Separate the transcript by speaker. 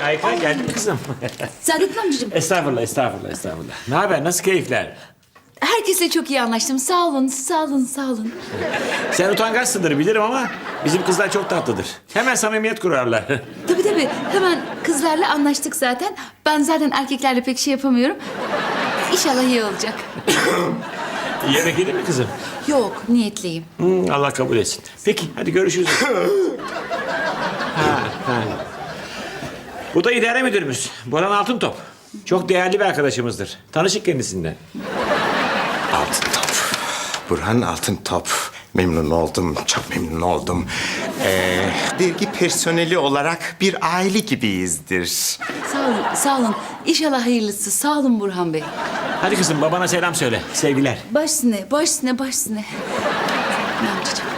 Speaker 1: Ayka geldin mi kızım?
Speaker 2: Saadettin amcacığım,
Speaker 1: Estağfurullah, estağfurullah, estağfurullah. Ne haber, nasıl keyifler?
Speaker 2: herkesle çok iyi anlaştım. Sağ olun, sağ olun, sağ olun.
Speaker 1: Sen utangaçsındır bilirim ama bizim kızlar çok tatlıdır. Hemen samimiyet kurarlar.
Speaker 2: Tabii tabii, hemen kızlarla anlaştık zaten. Ben zaten erkeklerle pek şey yapamıyorum. İnşallah iyi olacak.
Speaker 1: Yemek yedin mi kızım?
Speaker 2: Yok, niyetliyim.
Speaker 1: Allah kabul etsin. Peki, hadi görüşürüz. ha. Bu da idare müdürümüz. Boran Altıntop. Çok değerli bir arkadaşımızdır. Tanışık kendisinden.
Speaker 3: Altıntop. Burhan Altıntop. Memnun oldum, çok memnun oldum. Dergi personeli olarak bir aile gibiyizdir.
Speaker 2: Sağ olun, sağ olun. İnşallah hayırlısı. Sağ olun Burhan Bey.
Speaker 1: Hadi kızım, babana selam söyle. Sevgiler.
Speaker 2: Baş üstüne, baş üstüne, baş üstüne. Ne amcacığım?